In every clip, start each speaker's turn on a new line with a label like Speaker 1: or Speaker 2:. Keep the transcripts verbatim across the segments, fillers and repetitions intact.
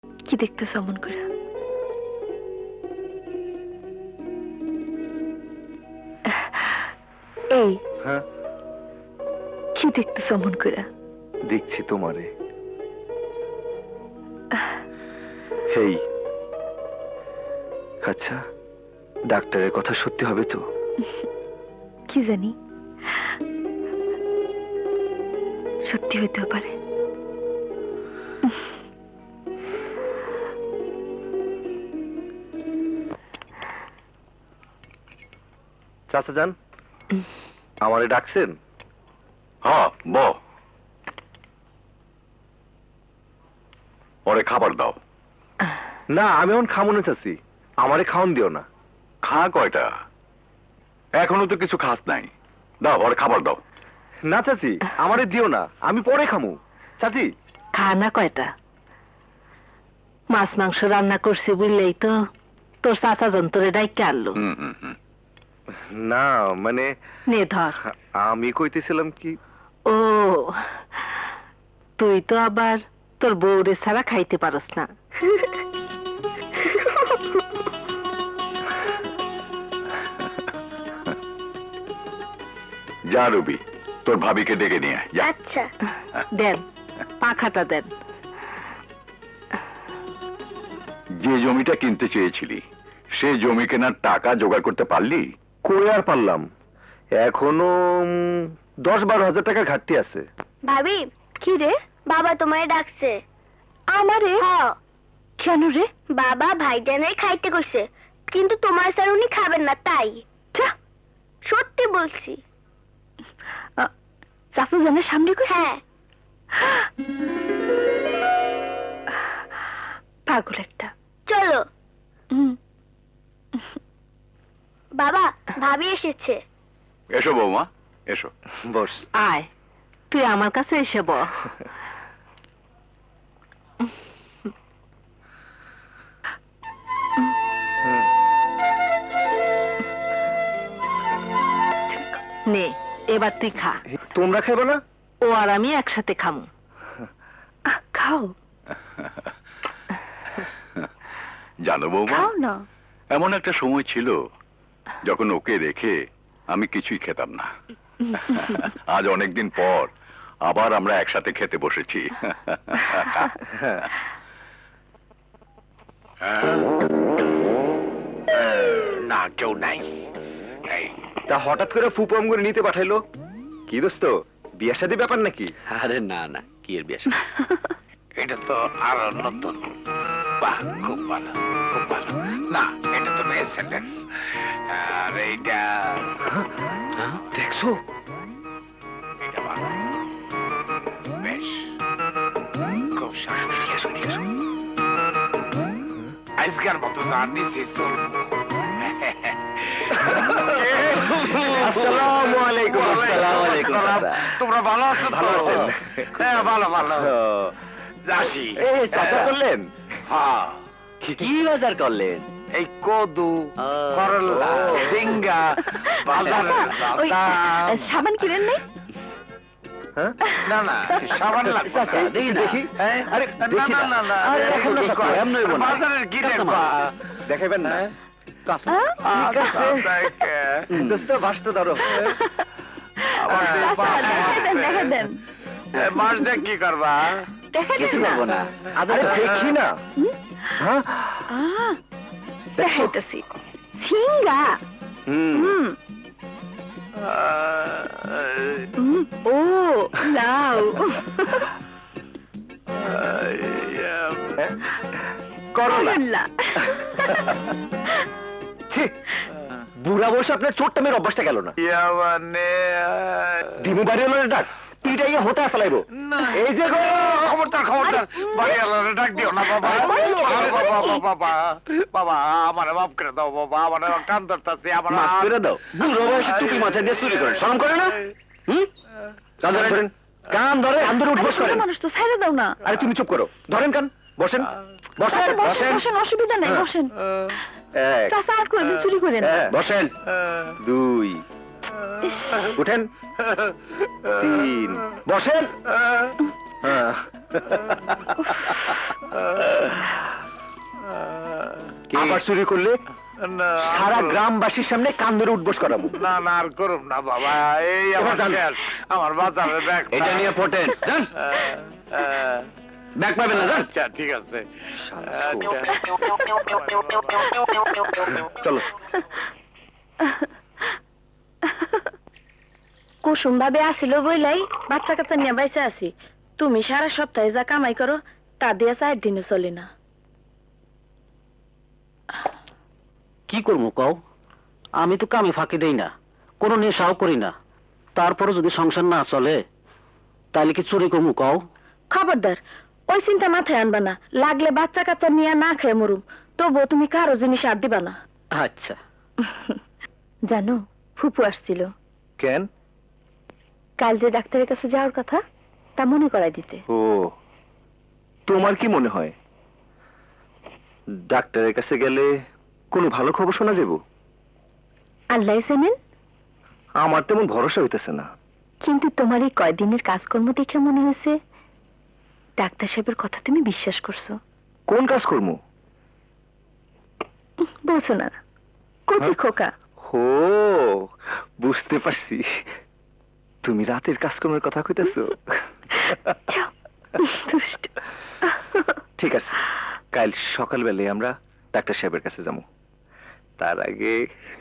Speaker 1: কি দেখতেছ অমন করে? এই
Speaker 2: হ্যাঁ,
Speaker 1: কি দেখতেছ অমন করে?
Speaker 2: দেখছি তোমারে। হেই, আচ্ছা ডাক্তারের কথা সত্যি হবে তো?
Speaker 1: কি জানি, সত্যি হইতেও পারে।
Speaker 2: চাচা যান, আমারে ডাকছেন?
Speaker 3: হ্যাঁ ব ওরে খাবার দাও।
Speaker 2: না, আমি এখন খামো না চাচি, আমারে খাওন দিও না।
Speaker 3: খা কয়টা? এখনো তো কিছু খাস নাই। দাও ওরে খাবার দাও।
Speaker 2: না চাচি, আমারে দিও না, আমি পরে খামু। চাচি
Speaker 4: খানা কয়টা? মাছ মাংস রান্না করছি বুঝলেই তো তোর চাচা যন্ত্রে ডাইকে আনলো।
Speaker 3: হুম হুম হুম।
Speaker 2: না মানে
Speaker 4: নে ধর।
Speaker 2: আমি কইতেছিলাম কি,
Speaker 4: ও তুই তো আবার তোর বউরে ছাড়া খাইতে পারস না।
Speaker 3: যা রবি, তোর ভাবিকে ডেকে নিয়ে আয়, যা।
Speaker 1: আচ্ছা।
Speaker 4: দেন পাখাটা দেন।
Speaker 3: যে জমিটা কিনতে চেয়েছিলি সে জমি কেনার টাকা জোগাড় করতে পারলি?
Speaker 2: কই আর পারলাম, এখনো উম, দশ বারো হাজার টাকা ঘাটতি আছে।
Speaker 1: ভাবি, কি রে? বাবা তোমায় ডাকছে। আমারে? কেন রে? বাবা ভাইজানের খাইতে কইছে, কিন্তু তোমার স্যার উনি খাবেন না তাই। সত্যি বলছি। চাচু জানের সামনে কইছে? হ্যাঁ। পাগল একটা। চলো। বাবা, ভাবি এসেছে।
Speaker 3: এসো বৌমা, এসো।
Speaker 2: বস।
Speaker 4: আয় তুই আমার কাছে এসে ব। নে এবার তুই খা।
Speaker 2: তোমরা খাইবে না?
Speaker 4: ও আর আমি একসাথে খামু।
Speaker 1: খাও
Speaker 3: জানো বৌমা,
Speaker 1: খাও না।
Speaker 3: এমন একটা সময় ছিল যখন ওকে রেখে আমি কিছুই খেতাম না। আজ অনেকদিন পর আবার আমরা একসাথে খেতে বসেছি।
Speaker 5: না কেউ নাই।
Speaker 2: তা হঠাৎ করে ফুপম করে নিতে পাঠাইলো কি দোস্ত, বিয়ে শাদী ব্যাপার নাকি?
Speaker 5: আরে না না, কি এর বিয়ে? এটা তো আরো নতুন। বাহ, খুব ভালো, খুব ভালো। না, এটা তো মেয়ে ছেলে। আর এইটা
Speaker 2: দেখছো?
Speaker 5: এটা ভালো, বেশ, খুব সুন্দর। আজকের মতো জানি
Speaker 2: আসসালামু আলাইকুম।
Speaker 5: আসসালামু আলাইকুম। তোমরা ভালো আছো?
Speaker 2: ভালো আছেন?
Speaker 5: হ্যাঁ, ভালো ভালো। যাসি
Speaker 2: এই চাচা করলেন?
Speaker 5: হ্যাঁ।
Speaker 2: কি বাজার করলেন?
Speaker 5: এই কদু, করলা, ঝিঙ্গা, বাজারে
Speaker 1: ওই
Speaker 5: যাতাম।
Speaker 1: সাবান কিনেন নাই?
Speaker 2: হ্যাঁ?
Speaker 5: না না, সাবান লাগবে না।
Speaker 2: চাচা, দেখি, দেখি।
Speaker 5: হ্যাঁ?
Speaker 2: আরে,
Speaker 5: না,
Speaker 2: দেখি
Speaker 5: না,
Speaker 2: না।
Speaker 5: না, না,
Speaker 2: আরে,
Speaker 5: দেখো,
Speaker 2: এখন না,
Speaker 5: দেখো।
Speaker 2: চাচা, এমন হইবো না।
Speaker 5: বাজারের কিনে বা।
Speaker 2: দেখাইবেন না?
Speaker 5: কাঁচা।
Speaker 2: ঠিক আছে।
Speaker 5: দেখে।
Speaker 2: দোস্ত ভাসতে ধরো।
Speaker 5: আবার
Speaker 2: আহ,
Speaker 5: দেখবা।
Speaker 1: দেখাই দেন, দেখাই দেন।
Speaker 5: এ, মাছ দিয়ে কি করবা?
Speaker 1: দেখাই
Speaker 2: কিছু
Speaker 1: দেন
Speaker 2: করবো না। আরে দেখি না।
Speaker 1: হুম?
Speaker 2: হ্যাঁ?
Speaker 1: আহ, দেখাইতেছি। ঝিঙ্গা।
Speaker 2: হুম।
Speaker 1: হুম। হুম, ও লাউ।
Speaker 2: হ্যাঁ? করলা।
Speaker 1: করলা।
Speaker 2: ছি, বুড়া বসে আপনার চোটটা মেয়ের অভ্যাসটা গেল না।
Speaker 5: ইয়া মানে,
Speaker 2: দিমু বাড়ি হলো ডাক পিটাইয়া হতে ফেলাইবো। এই যে গো,
Speaker 5: খবরদার খবরদার, বাড়ি আলাদা ডাক দিও না বাবা।
Speaker 2: আরে,
Speaker 5: আরে বাবা, বাবা, বাবা, বাবা, আমার মাফ করে দাও বাবা, আমার কান ধরতাছে, আমার
Speaker 2: মাফ করে দাও। বুড়ো বয়সে টুপি মাথায় দিয়ে চুরি করে শরম করে না? হুম? কান ধরেন, কান ধরে কান ধরে উঠবস করেন।
Speaker 1: মানুষ তো ছাইড়া দাও না।
Speaker 2: আরে তুমি চুপ করো, ধরেন কান, বসেন বসেন
Speaker 1: আচ্ছা, বসেন,
Speaker 2: বসেন
Speaker 1: বসেন, অসুবিধা নাই,
Speaker 2: হ্যাঁ।
Speaker 1: বসেন।
Speaker 2: এক,
Speaker 1: চাচা আর কোনদিন চুরি করেন না।
Speaker 2: হ্যাঁ, বসেন দুই, উঠেন তিন, বসেন হ্যাঁ, আবার চুরি করলে
Speaker 5: না,
Speaker 2: সারা
Speaker 5: আর-
Speaker 2: গ্রামবাসীর সামনে কান ধরে উঠবোস করাবো।
Speaker 5: না না আর করুম না বাবা, এই আমার
Speaker 2: এবার যান।
Speaker 5: শেষ। আমার বাজারের ব্যাগ
Speaker 2: এটা নিয়ে ফোটেন যান, ব্যাগ পাবেন না যান।
Speaker 5: আচ্ছা ঠিক আছে।
Speaker 2: চলো।
Speaker 1: কুসুম ভাবে আসিল বইলাই বাচ্চা কাচ্চা নিয়ে বাইসে আছি। তুমি সারা সপ্তাহে যা কামাই করো তা দিয়ে চার দিনও চলে না।
Speaker 2: কি করবো কও? আমি তো কামে ফাঁকি দেই না, কোনো নেশাও করি না, তারপরে যদি সংসার না চলে তাহলে কি চুরি করবো কও?
Speaker 1: খবরদার ওই চিন্তা মাথায় আনবা না। লাগলে বাচ্চা কাচ্চা নিয়ে না খেয়ে মরুম, তবুও তুমি কারো জিনিস আর দিবা না।
Speaker 2: আচ্ছা।
Speaker 1: জানো ফুপু আসছিল,
Speaker 2: কেন?
Speaker 1: কাল যে ডাক্তারের কাছে যাওয়ার কথা তা মনে করাই দিতে।
Speaker 2: ও, তোমার কি মনে হয় ডাক্তারের কাছে গেলে কোনো ভালো খবর শোনা যাব?
Speaker 1: আল্লাহ জানেন,
Speaker 2: আমার তেমন ভরসা হইতেছে না।
Speaker 1: কিন্তু তোমার এই কয়দিনের কাজকর্ম দেখে মনে হয়েছে ডাক্তার সাহেবের কথা তুমি বিশ্বাস করছো।
Speaker 2: কোন কাজ করবো?
Speaker 1: বলছো না কচি খোকা।
Speaker 2: ও, বুঝতে পারছি, তুমি রাতের কাজকর্মের কথা কইতেছো।
Speaker 1: যাও, দুষ্ট।
Speaker 2: ঠিক আছে, কাল সকালবেলায় আমরা ডাক্তার সাহেবের কাছে যাবো। তার আগে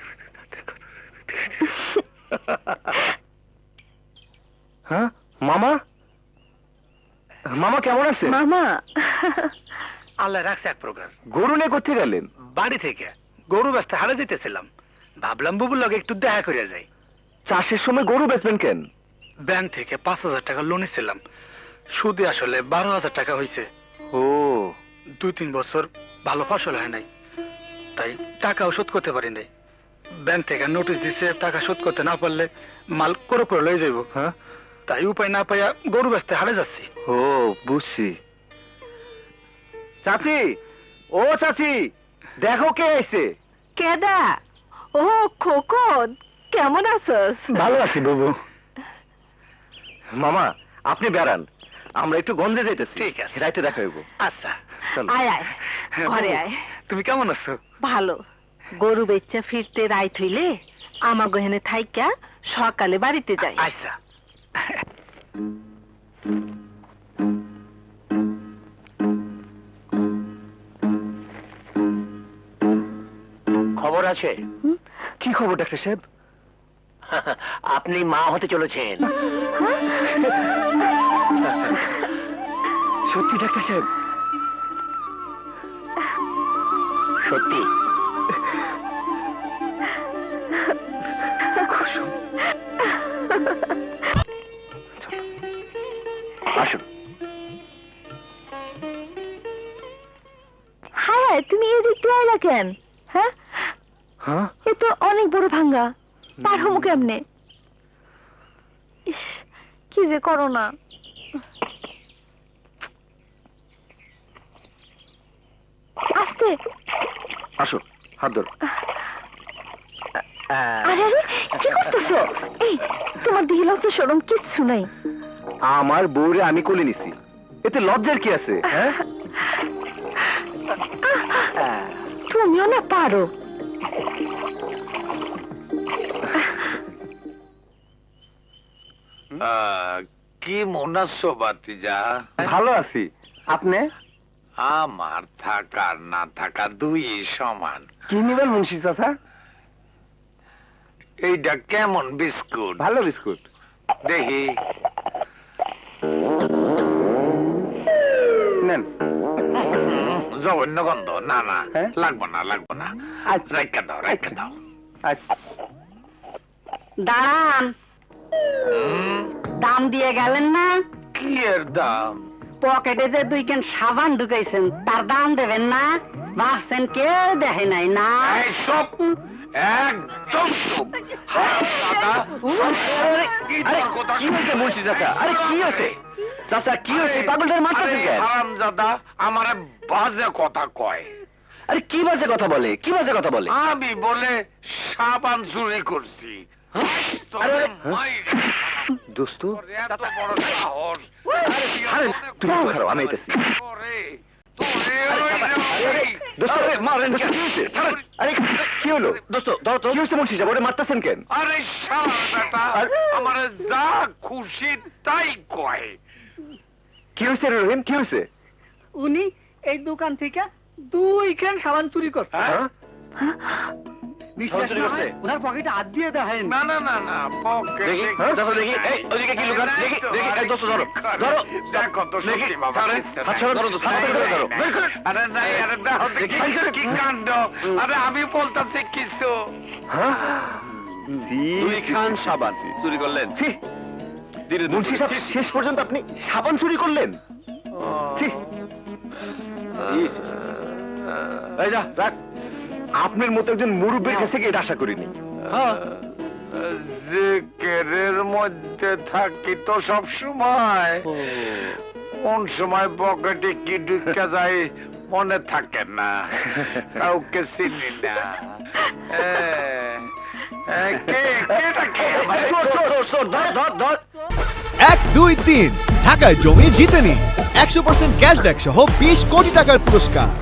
Speaker 2: হ্যাঁ, মামা মামা কেমন আছে?
Speaker 1: মামা
Speaker 5: আল্লাহ রাখছে এক প্রকার।
Speaker 2: গরু নিয়ে কোথায় গেলেন?
Speaker 5: বাড়ি থেকে গরু ব্যস্ত হারে দিতেছিলাম, ভাবলাম বুবুর লগে একটু দেখা করে যাই।
Speaker 2: চাষের সময় গরু বেচবেন কেন?
Speaker 5: ব্যাংক থেকে পাঁচ হাজার টাকা লোন ছিলাম, সুদে আসলে বারো হাজার টাকা হয়েছে।
Speaker 2: ও,
Speaker 5: দুই তিন বছর ভালো ফসল হয় নাই, তাই টাকাও শোধ করতে পারি নাই। ব্যাংক থেকে নোটিশ দিছে টাকা শোধ করতে না পারলে মাল করে করে লয়ে যাইব।
Speaker 2: হ্যাঁ,
Speaker 5: তাই উপায় না পাইয়া গরু ব্যস্ত হারে যাচ্ছি।
Speaker 2: ও বুঝছি। চাচি, ও চাচি, দেখো কে আইছে।
Speaker 4: কেডা? ও খোকন, কেমন আছস?
Speaker 2: ভালো আছি বাবু। মামা আপনি বেড়ান, আমরা একটু গঞ্জে যাইতেছি।
Speaker 5: ঠিক আছে।
Speaker 2: রাইতে দেখা হইব।
Speaker 5: আচ্ছা,
Speaker 2: চলো।
Speaker 4: আয় আয়, ঘরে আয়।
Speaker 5: তুমি কেমন আছো?
Speaker 4: ভালো। গরু বেচা ফিরতে রাইত হইলে আমা গহেনে থাইকা সকালে বাড়িতে যাই।
Speaker 5: আচ্ছা।
Speaker 2: খবর আছে? কি খবর ডাক্তার সাহেব? আপনি মা হতে চলেছেন। সত্যি ডাক্তার সাহেব? সত্যি? আসুন।
Speaker 1: হ্যাঁ, তুমি এদিক দিয়ে আইলা কেন? হ্যাঁ,
Speaker 2: হ্যাঁ,
Speaker 1: এ তো অনেক বড় ভাঙ্গা, পার হবো কেমনে? ইস, কি যে করো না। আস্তে।
Speaker 2: আসো, হাত ধরো।
Speaker 1: আরে আরে, কি করতেছো? এই, তোমার দিকে লজ্জা শরম কিচ্ছু নাই।
Speaker 2: আমার বউরে আমি কোলে নিছি, এতে লজ্জার কি আছে? হ্যাঁ,
Speaker 1: তুমিও না পারো।
Speaker 5: আহ, কি মন আছো বাতিজা?
Speaker 2: ভালো আছি। আপনি?
Speaker 5: আমার থাকা আর না থাকা দুই সমান।
Speaker 2: কি নিবেন মুন্সি চাচা?
Speaker 5: এইটা কেমন বিস্কুট?
Speaker 2: ভালো বিস্কুট।
Speaker 5: দেখি।
Speaker 2: নেন।
Speaker 5: জঘন্য গন্ধ। না না,
Speaker 2: হ্যাঁ?
Speaker 5: লাগবো না লাগবো না।
Speaker 2: আচ্ছা।
Speaker 5: রেখে দাও রেখে দাও।
Speaker 2: আচ্ছা।
Speaker 4: দাঁড়ান,
Speaker 5: হুম,
Speaker 4: দাম দিয়ে গেলেন না?
Speaker 5: কি এর দাম?
Speaker 4: পকেটে যে দুই কেন সাবান ঢুকাইছেন তার দাম দেবেন না? ভাবছেন কেউ দেখে নাই না?
Speaker 5: এই সব একদম চুপ। হারামজাদা, কি
Speaker 2: আরে
Speaker 5: তোর কথা
Speaker 2: কি হয়েছে মুন্সি চাচা? আরে কি হয়েছে চাচা? কি হয়েছে? পাগলটার মারতেছেন
Speaker 5: আরে
Speaker 2: কেন?
Speaker 5: হারামজাদা আমারে বাজে কথা কয়।
Speaker 2: আরে কি বাজে কথা বলে? কি বাজে কথা বলে?
Speaker 5: আমি বলে সাবান চুরি করছি।
Speaker 2: আরে,
Speaker 5: তোরে
Speaker 2: আরে,
Speaker 5: মাইরে
Speaker 6: দোস্ত
Speaker 5: তোর এত বড় সাহস
Speaker 6: ছাড়েন, তুমি একটু খারাপ, আমি আইতাছি।
Speaker 5: তোরে তোরে
Speaker 6: দোস্ত মারেন, কি হয়েছে? ছাড়েন। আরে কি হলো দোস্ত? ধর তো, কি হয়েছে মুন্সি সাহেব? ওরে মারতেছেন কেন?
Speaker 5: আরে শালা বেটা
Speaker 6: আর-
Speaker 5: আমার যা খুশি তাই কয়।
Speaker 6: কি হয়েছে রে রহিম, কি হয়েছে?
Speaker 7: উনি এই দোকান থেকে দুই খান সাবান চুরি করছে।
Speaker 6: হ্যাঁ?
Speaker 7: বিশ্বাস
Speaker 6: চুরি
Speaker 7: না
Speaker 6: করছে?
Speaker 7: হয় ওনার পকেটে হাত দিয়ে দেখেন।
Speaker 5: না না না না পকেটে
Speaker 6: দেখি, হ্যাঁ, দেখো দেখি, এই, ওদিকে কি লুকান? দেখি, দেখি, এই দোস্ত ধরো, ধরো।
Speaker 5: দেখো তো
Speaker 6: দেখি,
Speaker 5: সত্যি বাবা
Speaker 6: ছাড়েন,
Speaker 5: কিচ্ছু
Speaker 6: হাত
Speaker 5: নাই।
Speaker 6: ছাড়েন, ধরো, ধরো, হাত ধরে ধরো, বের করুন।
Speaker 5: আরে নাই, আরে দেখো তো
Speaker 6: দেখি,
Speaker 5: কি- কি কাণ্ড। আরে আমি বলতেছি কিছু
Speaker 6: হ্যাঁ?
Speaker 2: দুই খান সাবান চুরি করলেন।
Speaker 6: ছি, মুন্সি সাহেব শেষ পর্যন্ত আপনি সাবান চুরি করলেন? ছি, এই যা, রাখ। আপনার মতো একজন মুরব্বীর কাছে থেকে এটা আশা করিনি।
Speaker 5: জিকিরের মধ্যে থাকি তো সব সময়, কোন সময় পকেটে কি ঢুকে যায় মনে থাকে না, কাউকে চিনি না। এ, এ, কে কেটা কে
Speaker 6: এই, চোর, চোর, চোর, চোর, ধর, ধর, ধর।
Speaker 8: এক দুই তিন ঢাকায় জমি জিতে নিন একশো পার্সেন্ট ক্যাশব্যাক সহ বিশ কোটি টাকার পুরস্কার।